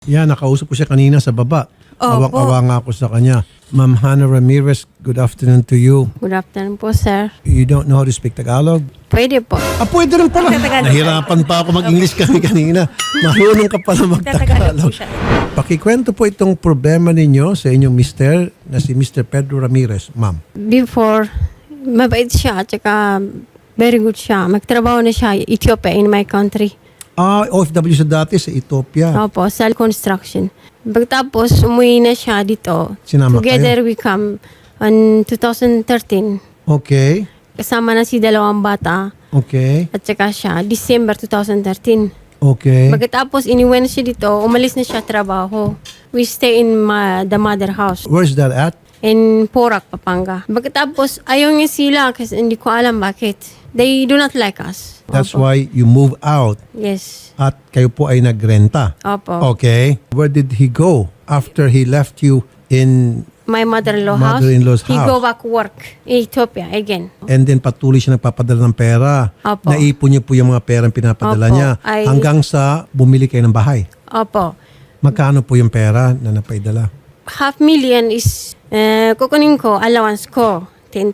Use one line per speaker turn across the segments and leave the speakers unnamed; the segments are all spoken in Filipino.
Yan, nakausap ko siya kanina sa baba.
Opo.
Awang-awa nga ako sa kanya. Ma'am Hannah Ramirez, good afternoon to you.
Good afternoon po, sir.
You don't know how to speak Tagalog?
Pwede po.
Pwede rin pala. Nahirapan pa ako mag-English kami kanina. Marunong ka pala mag-Tagalog. Pakikwento po itong problema ninyo sa inyong mister na si Mr. Pedro Ramirez, ma'am.
Before, mabait siya, tsaka very good siya. Magtrabaho na siya Ethiopia in my country.
OFW sa dati sa Ethiopia.
Opo, sa construction. Pagkatapos, umuwi na siya dito.
Sinama
Together we come on 2013.
Okay.
Kasama na si dalawang bata
Okay.
at saka siya, December 2013.
Okay.
Pagkatapos, iniwan siya dito, umalis na siya trabaho. We stay in the mother house.
Where's that at?
In Porac, Pampanga. Pagkatapos, ayaw niya sila kasi hindi ko alam bakit. They do not like us.
That's
Opo.
why you move out
Yes.
at kayo po ay nagrenta.
Opo.
Okay. Where did he go after he left you in
My mother-in-law house.
Mother-in-law's
He
house.
go back work in Ethiopia again.
and then patuloy siya nagpapadala ng pera?
Opo.
Naipon niyo po yung mga perang pinapadala
Opo.
niya hanggang sa bumili kayo ng bahay.
Opo.
Magkano po yung pera na napaidala?
$500,000 is kukunin ko, allowance ko.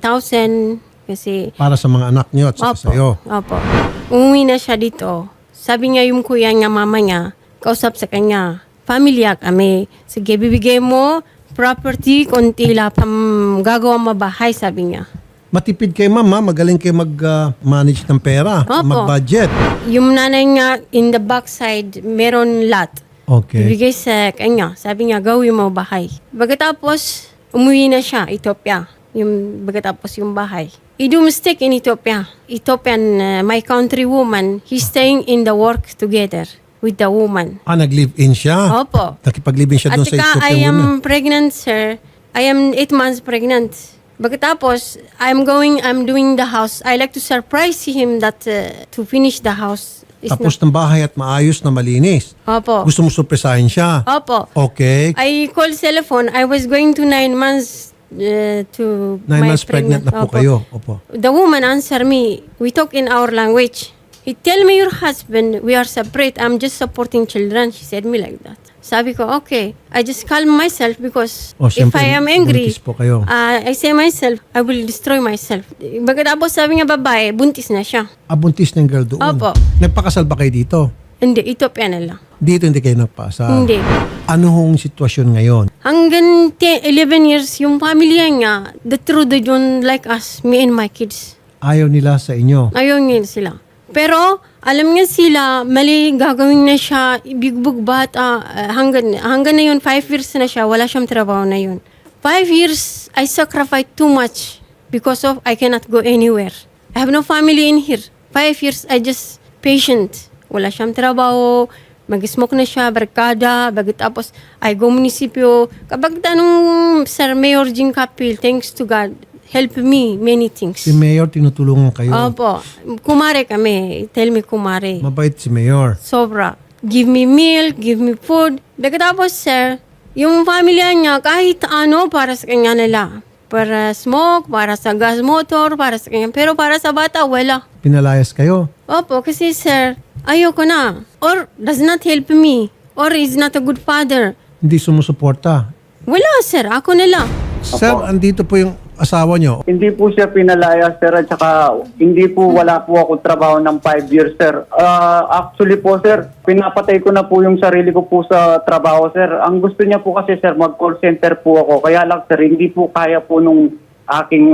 10,000 kasi
Para sa mga anak niyo at sa sa'yo.
Opo. Umuwi na siya dito. Sabi niya yung kuya niya, mama niya, kausap sa kanya, pamilya kami. Sige, bibigay mo property, konti lang pang gagawa mabahay, sabi niya.
Matipid kayo, ma'am, ha? Magaling kayo mag-manage ng pera,
Opo.
mag-budget.
Yung nanay niya, in the backside, meron lot.
Okay.
Ibigay sa kanya. Sabi niya, gawin mo bahay. Pagkatapos, umuwi na siya, Ethiopia. Pagkatapos yung bahay. He do mistake in Ethiopia. Ethiopian, my country woman, he's staying in the work together with the woman.
Nag-live-in siya?
Opo.
Nakipag-live-in siya
At
doon sa
saka,
Ethiopian
I am
woman?
pregnant, sir. I am 8 months pregnant. Pagkatapos, I'm doing the house. I like to surprise him that to finish the house. is
Tapos ng bahay at maayos na malinis.
Opo.
Gusto mo surpresahin siya?
Opo.
Okay.
I call cellphone. I was going to 9 months to
9
my
months pregnant na po
Opo.
kayo. Opo.
The woman answer me. We talk in our language. He tell me, your husband, we are separate. I'm just supporting children. She said me like that. Sabi ko, okay. I just calm myself because if
Siyempre,
I am angry,
buntis po kayo.
I say myself, I will destroy myself. Pagkatapos sabi nga babae, buntis na siya.
Buntis ng girl doon.
Opo.
Nagpakasal ba kayo dito?
Hindi, Ethiopia na lang.
Dito hindi kayo nagpasal?
Hindi.
Ano hong sitwasyon ngayon?
Hanggang 11 years, yung pamilya niya, the truth, they don't like us, me and my kids.
Ayaw nila sa inyo?
Ayaw niya sila. Pero, alam niya sila, mali gagawin na siya, ibigbog bata, hanggang na yun, 5 years na siya, wala siyang trabaho na yun. 5 years, I sacrificed too much because of I cannot go anywhere. I have no family in here. 5 years, I just patient. Wala siyang trabaho, mag-smoke na siya, barkada, tapos I go munisipyo. Kapag tanong, Sir Mayor Jing Kapil, thanks to God, help me many things.
Si Mayor, tinutulungan kayo?
Opo. Kumare kami. Tell me kumare.
Mabait si Mayor.
Sobra. Give me meal, give me food. Pagkatapos, sir, yung pamilya niya, kahit ano, para sa kanya nila. Para smoke, para sa gas motor, para sa kanya. Pero para sa bata, wala.
Pinalayas kayo?
Opo, kasi sir, ayoko na. Or does not help me. Or is not a good father.
Hindi sumusuporta?
Wala, sir. Ako na lang.
Sir, andito po yung asawa nyo.
Hindi po siya pinalaya, sir, at saka hindi po wala po ako trabaho ng 5 years, sir. Actually po, sir, pinapatay ko na po yung sarili ko po sa trabaho, sir. Ang gusto niya po kasi, sir, mag-call center po ako. Kaya lang, sir, hindi po kaya po nung aking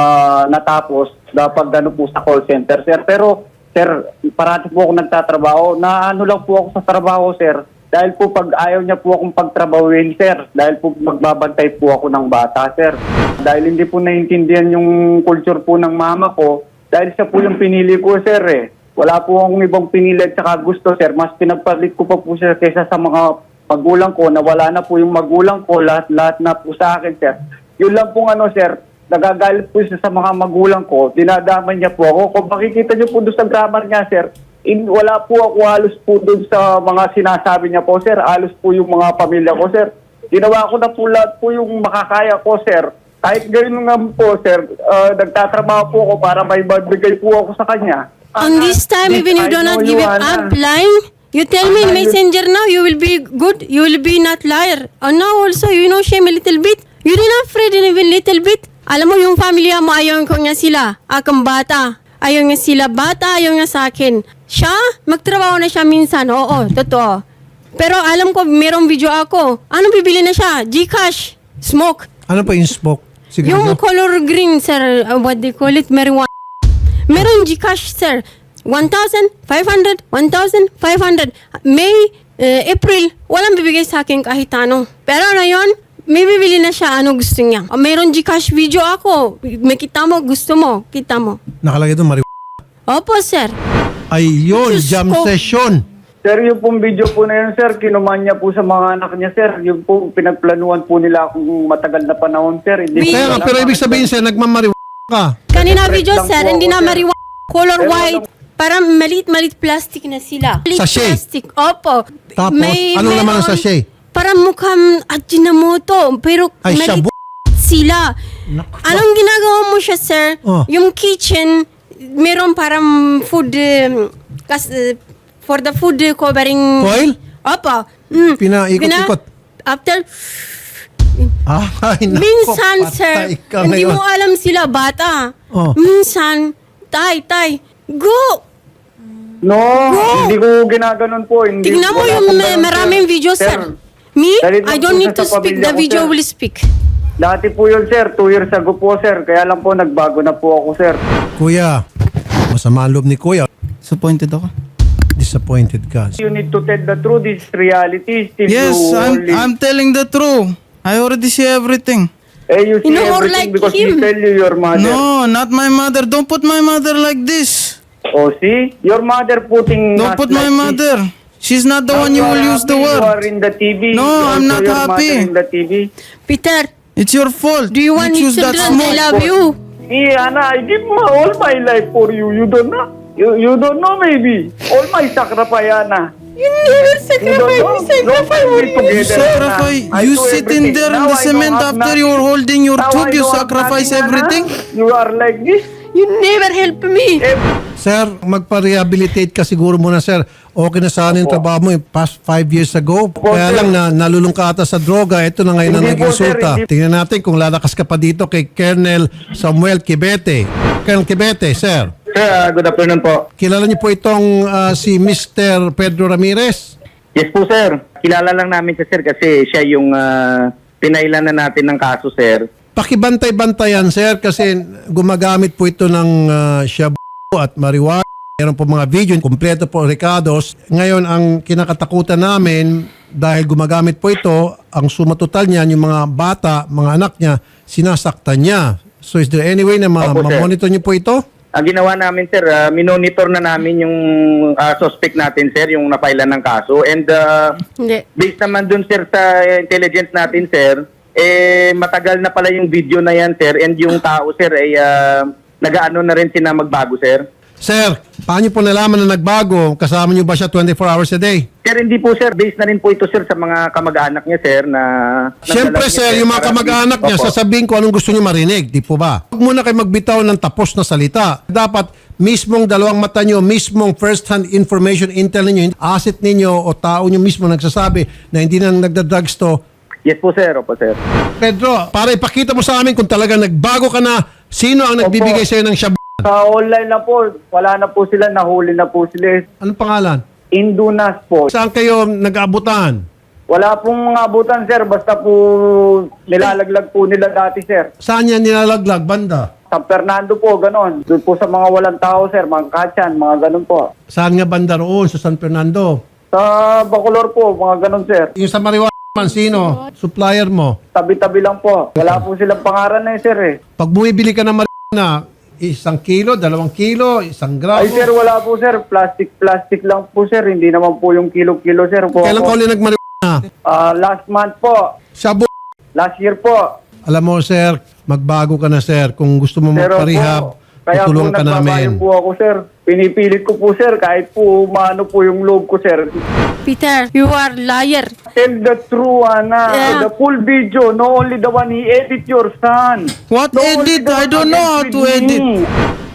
natapos dapat ano po sa call center, sir. Pero, sir, parati po ako nagtatrabaho. Naano lang po ako sa trabaho, sir. Dahil po pag ayaw niya po akong pagtrabahuin, sir. Dahil po magbabantay po ako ng bata, sir. Dahil hindi po naiintindihan yung culture po ng mama ko. Dahil siya po yung pinili ko, sir, eh. Wala po akong ibang pinili at saka gusto, sir. Mas pinagpalit ko pa po siya kaysa sa mga magulang ko na wala na po yung magulang ko. Lahat na po sa akin, sir. Yun lang pong ano, sir. Nagagalit po siya sa mga magulang ko. Dinadaman niya po ako. Kung makikita niyo po doon sa grammar niya, sir, wala po ako halos po doon sa mga sinasabi niya po, sir. Halos po yung mga pamilya ko, sir. Ginawa ko na po lahat po yung makakaya ko, sir. Kahit gano'n nga po, sir, nagtatrabaho po ako para may magbigay po ako sa kanya.
On this time, even you do not give it up line, You tell me in messenger now, you will be good, you will be not liar. And now also, you know shame a little bit. You not afraid even little bit. Alam mo, yung pamilya mo, ayaw ko nga sila. Akang bata. Ayaw nga sila bata, ayaw nga sa akin. Siya, magtrabaho na siya minsan. Oo, totoo. Pero alam ko, merong video ako. Anong bibili na siya? Gcash. Smoke.
Ano pa yung smoke?
Yung
Siguro.
color green, sir. What they call it? Marijuana. Meron Gcash, sir. 1,500, 1,500. May, April, walang bibigay sa akin kahit ano. Pero ngayon, may bibili na siya ano gusto niya. Mayroon Gcash video ako. May kita mo, gusto mo, kita mo.
Nakalagay doon,
Opo, sir.
Ayun,
Diyos
jam
ko.
session.
Sir, yung pong video po na yun, sir, kinuman niya po sa mga anak niya, sir. Yung po, pinagplanuhan po nila akong matagal na panahon, sir. Hindi
Kaya nga,
ko
pero
alam.
ibig sabihin sir, nagmamariwa ka.
Kanina video,
lang
sir,
po
hindi
ako,
na
sir.
marijuana. Color white. Parang malit-malit plastic na sila. Malit
Sachet.
plastic. Opo.
Tapos, anong laman ng
meron-
sachet?
Parang mukhang Ajinomoto. Pero
Ay,
malit
shabu.
sila.
Naku.
Anong ginagawa mo siya, sir?
Oh.
Yung kitchen, meron parang food, for the food covering.
Foil?
Opo.
Pinaikot-ikot.
After,
Ay, naku,
minsan, sir,
patay ka
hindi
ngayon.
mo alam sila, bata.
Oh.
Minsan, tay, go!
No, hindi ko ginaganon po. Hindi,
Tignan mo
wala
yung
pong ganun,
maraming video, sir. Me,
Dahil
I
lang
don't
po
need
siya
to
sa
speak.
pamilya
The
ko,
video
sir.
will speak.
Dati po yun, sir. 2 years ago po, sir. Kaya lang po, nagbago na po ako, sir.
Kuya, masama ang loob ni Kuya.
Disappointed ako.
Disappointed ka.
You need to tell the truth. This is reality. Still
Yes,
you only...
I'm telling the truth. I already see everything.
you see
You know, or
everything
like
because
him.
we tell you your mother.
No, not my mother. Don't put my mother like this.
Oh, see? Your mother putting...
Don't
us
put my
like this.
mother. She's not the
Now
one you
are
will use the
happy, You are
word.
in the TV.
No,
You
I'm
also
not
your mother
happy.
in the TV.
Peter,
It's your fault.
do you want me
choose
to
that
I
smoke.
love you?
Me, Anna, I give all my life for you. You don't know? You don't know, maybe. All my sacrifice, Anna.
You never
You don't know?
sacrifice
No, we together,
Sacrifice.
Anna. I
You
do
sit in
everything.
there in
Now
the
I don't
cement
have
after
nothing.
you're holding your
Now
tube.
I
You
don't have
sacrifice
nothing, Anna.
everything.
You are like this.
You never help me.
Sir, magpa-rehabilitate ka siguro muna, sir. Okay na sana yung trabaho mo past 5 years ago. Kaya
sir.
lang na nalulung ka ata sa droga. Ito na ngayon na
Hindi po, sir,
nag-insulta.
hindi.
Tingnan natin kung lalakas ka pa dito kay Colonel Samuel Quibete. Colonel Quibete, sir.
Sir, good afternoon po.
Kilala niyo po itong si Mr. Pedro Ramirez?
Yes po, sir. Kilala lang namin siya, sir, kasi siya yung pinailan na natin ng kaso, sir.
Pakibantay-bantayan, sir, kasi gumagamit po ito ng shabu at marijuana. Meron po mga video, kompleto po recados. Ngayon, ang kinakatakutan namin, dahil gumagamit po ito, ang suma total niyan, yung mga bata, mga anak niya, sinasaktan niya. So is there any way na
Opo, sir.
ma-monitor niyo po ito?
Ang ginawa namin, sir, minonitor na namin yung suspect natin, sir, yung napailan ng kaso. And
Hindi.
based naman dun, sir, sa intelligence natin, sir, matagal na pala yung video na yan, sir. And yung tao, sir, ay nag-ano na rin sila magbago, sir.
Sir, paano niyo po nalaman na nagbago? Kasama niyo ba siya 24 hours a day?
Sir, hindi po, sir. Based na rin po ito, sir, sa mga kamag-anak niya, sir, na...
Siyempre,
nagdala niya,
sir, yung mga
para-
kamag-anak niya,
Opo.
sasabihin ko anong gusto niyo marinig, di po ba? Huwag muna kayo magbitaw ng tapos na salita. Dapat mismong dalawang mata niyo, mismong first-hand information, intel ninyo, asset ninyo o tao niyo mismo nagsasabi na hindi na nagda-drugs to.
Yes po, sir. Opo, sir.
Pedro, para ipakita mo sa amin kung talaga nagbago ka na, sino ang nagbibigay sa'yo ng shabu?
Sa online na po, wala na po sila, nahuli na po sila.
Anong pangalan?
Indunas po.
Saan kayo nag-aabutan?
Wala pong mga abutan, sir. Basta po nilalaglag po nila dati, sir.
Saan yan nilalaglag? Banda?
San Fernando po, ganon. Doon po sa mga walang tao, sir. Mga kachan, mga ganon po.
Saan nga banda roon? Sa San Fernando?
Sa Bacolor po, mga ganon, sir.
Yung sa Mariwa, sino? Supplier mo?
Tabi-tabi lang po. Wala po silang pangaran na sir eh.
Pag bumibili ka ng marijuana, 1 kilo, 2 kilo, 1 gramo.
Ay, sir, wala po, sir. Plastic lang po, sir. Hindi naman po yung kilo-kilo, sir. Po,
Kailan ka uli nagmarijuana?
last month po.
Shabu.
Last year po.
Alam mo, sir, magbago ka na, sir. Kung gusto mo
Pero
magparehab,
po, kaya po
tutulungan ka
nagbabayo
namin.
po ako, sir. Pinipilit ko po, sir. Kahit po maano po yung loob ko, sir.
Peter, you are liar.
Tell the truth, Ana.
Yeah.
The full video. No only the one he edit your son.
What
No only
edit?
the
I
one
don't know how
edit
to
with
edit.
me.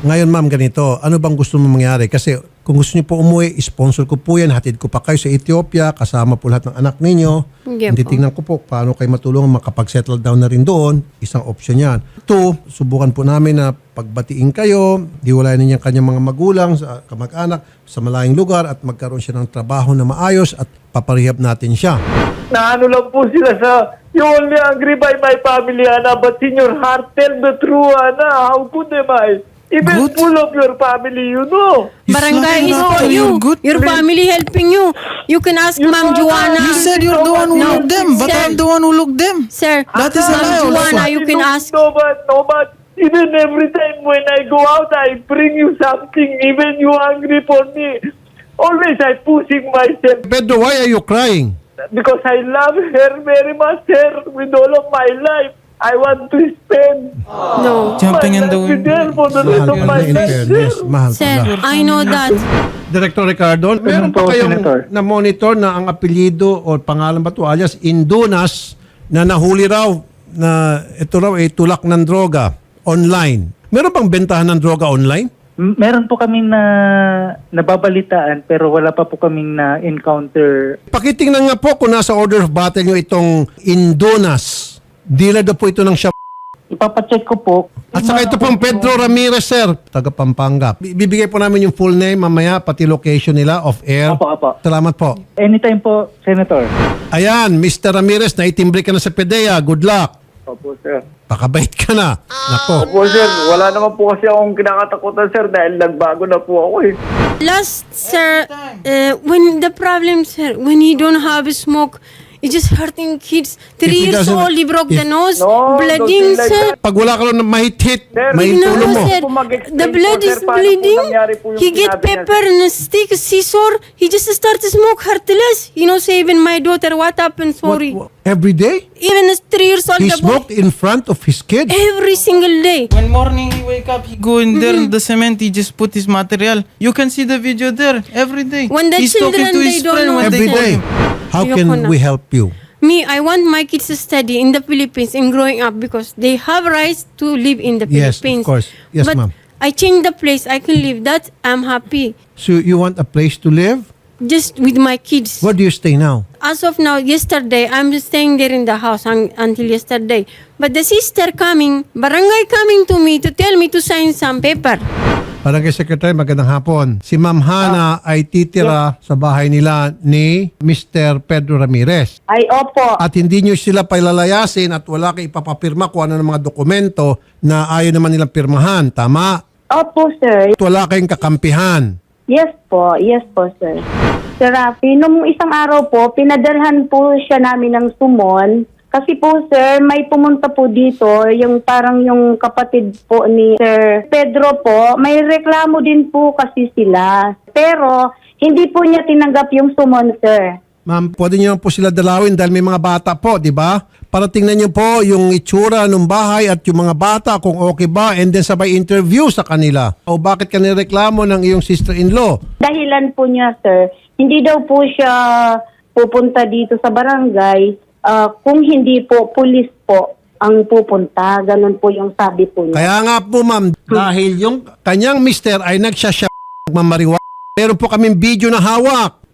Ngayon ma'am, ganito, ano bang gusto mo mangyari? Kasi kung gusto niyo po umuwi, sponsor ko po yan, hatid ko pa kayo sa Ethiopia, kasama po lahat ng anak ninyo.
Hindi po.
Titingnan ko po paano kayo matulungan makapag-settle down na rin doon. Isang option yan. 2, subukan po namin na pagbatiin kayo, hiwalayan ninyo ang kanyang mga magulang, sa kamag-anak, sa malayong lugar at magkaroon siya ng trabaho na maayos at paparehab natin siya.
Naano lang po sila sa, you only angry by my family, Ana, but in your heart, tell the truth, Ana. How good am I? Even
Good.
full of your family, you know.
You
Barangay is
flat
for
out, you're
you.
good.
Your family helping you. You can ask Ma'am Joanna.
You said you're the one who
No,
looked them, but
sir.
I'm the one who looked them.
Sir,
That is a lie
Ma'am
also.
Joanna, you can ask.
No, but even every time when I go out, I bring you something. Even you angry for me. Always I pushing myself
Pedro, why are you crying?
because I love her very much, sir, with all of my life. I want to spend
No.
Jumping in the
my life with her
window.
for the rest
Mahal
of
ka
my
na in
life,
fairness.
sir.
Mahal
Sir,
ka na.
I know that.
Director Ricardo, meron pa
po,
kayong
Senator?
na-monitor na ang apelyido o pangalan ba ito alias Indunas na nahuli raw na ito raw ay tulak ng droga online. Meron bang bentahan ng droga online?
Meron po kaming nababalitaan pero wala pa po kaming na-encounter.
Pakitingnan nga po kung nasa order of battle nyo itong Indunas. Dealer daw po ito ng siya.
Ipapacheck ko po.
At saka ito pong Pedro Ramirez, sir, taga Pampanga. Bibigay po namin yung full name mamaya, pati location nila off air.
Apo.
Salamat po.
Anytime po, Senator.
Ayan, Mr. Ramirez, naitimbre ka na sa PDEA. Good luck.
Opo, sir.
Pakabait ka na. Nako.
Opo, sir. Wala naman po kasi akong kinakatakutan, sir, dahil nagbago na po ako eh.
Last, sir, when the problem, sir, when he don't have smoke, it's just hurting kids. 3
he
years
doesn't-
old, he broke the nose,
No,
bleeding,
don't say like
sir.
that.
Pag wala ka lang na mahit-hit,
Sir,
may
No,
tulong mo.
sir.
Po mag-explain
The blood
po, sir,
is
paano po
bleeding.
nangyari po yung
He get
sinabi niya,
pepper and a stick, scissor. He just start to smoke heartless. You know, say even my daughter, what happened? Sorry.
Every day?
Even a 3 years old,
He
the boy,
smoked in front of his kids?
every single day.
When morning he wake up, he go in there in the cement, he just put his material. You can see the video there every day.
When the
He's talking
children,
to
they
his
don't
friend
know
when
Every
they call
day.
him.
How
Ayoko
can
na.
we help you?
Me, I want my kids to study in the Philippines and growing up because they have rights to live in the
Yes, of
Philippines.
course. Yes,
but
ma'am.
I change the place I can live. That I'm happy.
So you want a place to live?
Just with my kids.
Where do you stay now?
As of now, yesterday, I'm staying there in the house until yesterday. But the sister coming, barangay coming to me to tell me to sign some paper.
Barangay Secretary, magandang hapon. Si Ma'am Hana ay titira sa bahay nila ni Mr. Pedro Ramirez.
Ay, opo.
At hindi nyo sila pailalayasin at wala kayo ipapapirma kung ano ng mga dokumento na ayaw naman nilang pirmahan. Tama?
Opo, sir.
At wala kayong kakampihan.
Yes po, sir. Sir Rafi, nung isang araw po, pinadalhan po siya namin ng sumon. Kasi po, sir, may pumunta po dito, yung parang yung kapatid po ni Sir Pedro po, may reklamo din po kasi sila. Pero, hindi po niya tinanggap yung sumon, sir.
Ma'am, pwede nyo po sila dalawin dahil may mga bata po, di ba? Para tingnan nyo po yung itsura ng bahay at yung mga bata kung okay ba and then sabay interview sa kanila. O bakit ka nireklamo ng iyong sister-in-law?
Dahilan po niya, sir, hindi daw po siya pupunta dito sa barangay kung hindi po pulis po ang pupunta. Ganun po yung sabi po niya.
Kaya nga po ma'am, dahil yung kanyang mister ay nagsasya mamariwa. Meron po kaming video na hawak.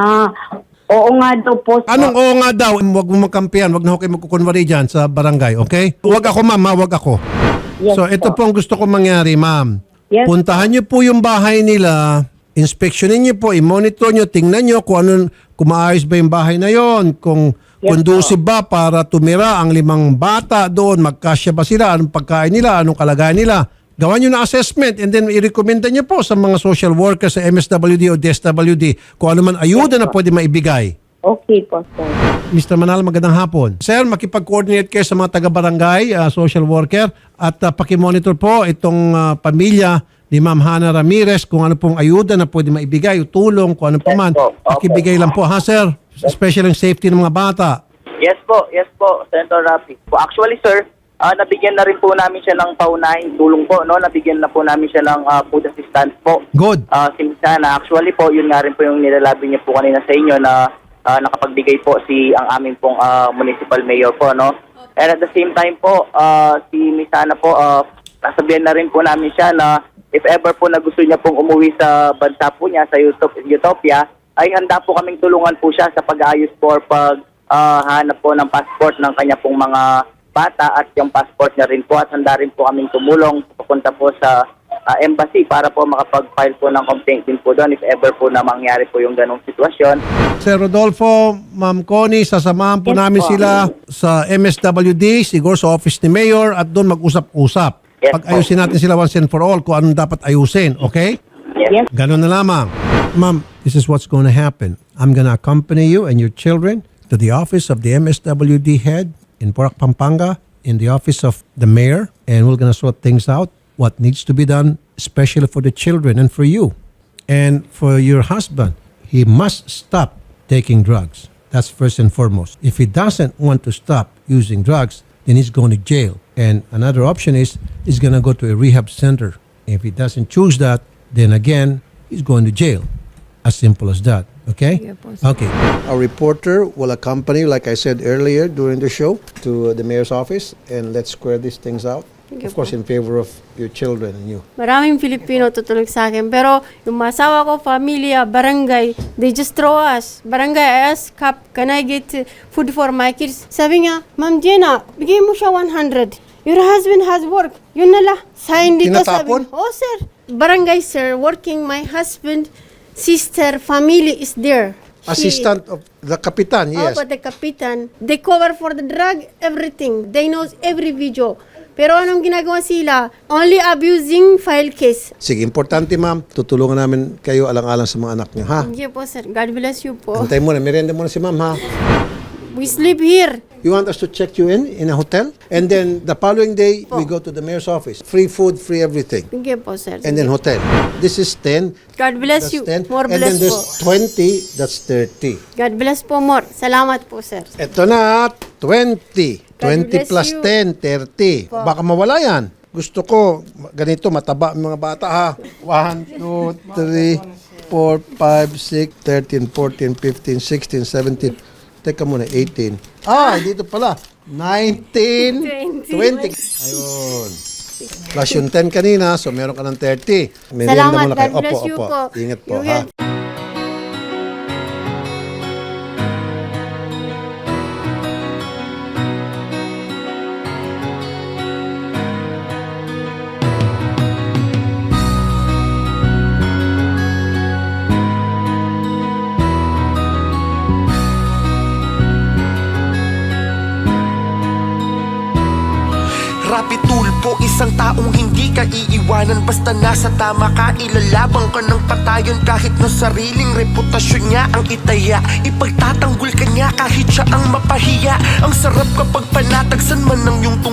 Oo nga daw po.
Anong oo nga daw? Huwag mo magkampihan, huwag na ho kayo magkukunwari dyan sa barangay, okay? Huwag ako ma'am, huwag ako.
Yes
So ito po ang gusto ko mangyari ma'am.
Yes.
Puntahan niyo po yung bahay nila, inspeksyonin niyo po, i-monitor niyo, tingnan niyo kung maayos ba yung bahay na yon, kung conducive ba para tumira ang 5 bata doon, magkasya ba sila, anong pagkain nila, anong kalagayan nila. Gawan nyo na assessment and then i-recommenda nyo po sa mga social workers sa MSWD o DSWD kung ano man ayuda na pwede maibigay.
Okay po, sir.
Mr. Manal, magandang hapon. Sir, makipag-coordinate kayo sa mga taga-barangay, social worker, at pakimonitor po itong pamilya ni Ma'am Hana Ramirez kung ano pong ayuda na pwede maibigay o tulong, kung ano pa man. Pakibigay lang po, ha, sir? Especially yung safety ng mga bata.
Yes po, Senator Rafi. Actually, sir, nabigyan na rin po namin siya ng paunahing tulong po, no? Nabigyan na po namin siya ng food assistance po.
Good.
Sinsana, actually po, yun nga rin po yung nilalabi niya po kanina sa inyo na nakapagbigay po ang aming pong municipal mayor po, no? And at the same time po, si Miss Hana po, nasabihan na rin po namin siya na if ever po na gusto niya pong umuwi sa bansa po niya, sa Utopia, ay handa po kaming tulungan po siya sa pag-aayos po or hanap po ng passport ng kanya pong mga bata at yung passport niya rin po, at handa rin po kaming tumulong papunta po sa embassy para po makapag-file po ng complaint din po doon if ever po na mangyari po yung ganong sitwasyon.
Sir Rodolfo, Ma'am Connie, sasamahan po namin sila sa MSWD, siguro sa office ni Mayor, at doon mag-usap-usap.
Yes,
Pag-ayusin natin sila once and for all kung anong dapat ayusin, okay?
Yes.
Ganun na lamang. Ma'am, this is what's going to happen. I'm going to accompany you and your children to the office of the MSWD head in Porac, Pampanga, in the office of the mayor, and we're going to sort things out, what needs to be done, especially for the children and for you. And for your husband, he must stop taking drugs. That's first and foremost. If he doesn't want to stop using drugs, then he's going to jail. And another option is he's going to go to a rehab center. If he doesn't choose that, then again, he's going to jail. As simple as that. Okay?
Yeah, po, sir.
Okay. Our reporter will accompany you, like I said earlier during the show, to the mayor's office, and let's square these things out.
Sige
Of course, in favor of your children and you.
Maraming Filipino tutulog sa akin. Pero yung masawa ko, pamilya, barangay, they just throw us. Barangay, I ask, Kap, can I get food for my kids? Sabi niya, Ma'am Jenna, bigay mo siya 100. Your husband has work. Yun na la. Sa hindi ko
Tinatapon?
sabi. Oh, sir. Barangay, sir, working, my husband, sister, family is there.
Assistant of the kapitan, yes.
Oh, but the kapitan, they cover for the drug, everything. They knows every video. Pero anong ginagawa sila? Only abusing file case.
Sige, importante ma'am, tutulungan namin kayo alang-alang sa mga anak niyo, ha?
Hindi po, sir. God bless you po.
Antay muna, merienda muna si ma'am, ha?
We sleep here.
You want us to check you in a hotel? And then the following day, we go to the mayor's office. Free food, free everything.
Hindi po, sir.
And then hotel. This is 10.
God bless
That's
you.
10.
More
And then
bless
there's
po.
20. That's 30.
God bless po more. Salamat po, sir.
Ito na, 20. 20
bless
plus
you.
10, 30. Baka mawala yan. Gusto ko, ganito, mataba ang mga bata, ha? 1, 2, 3, 4, 5, 6, 13, 14, 15, 16, 17. Teka muna, 18. Dito pala. 19, 20. Ayun. Plus yung 10 kanina, so meron ka ng 30. Merienda
Salamat.
muna kayo.
God bless
Opo,
you
opo.
po.
Ingat po,
You
ha?
will-
Rapi tulpo, isang taong hindi ka iiwanan. Basta nasa tama ka, ilalabang ka ng patayon. Kahit na sariling reputasyon niya ang itaya, ipagtatanggol ka niya kahit siya ang mapahiya. Ang sarap kapag panatagsan man ng iyong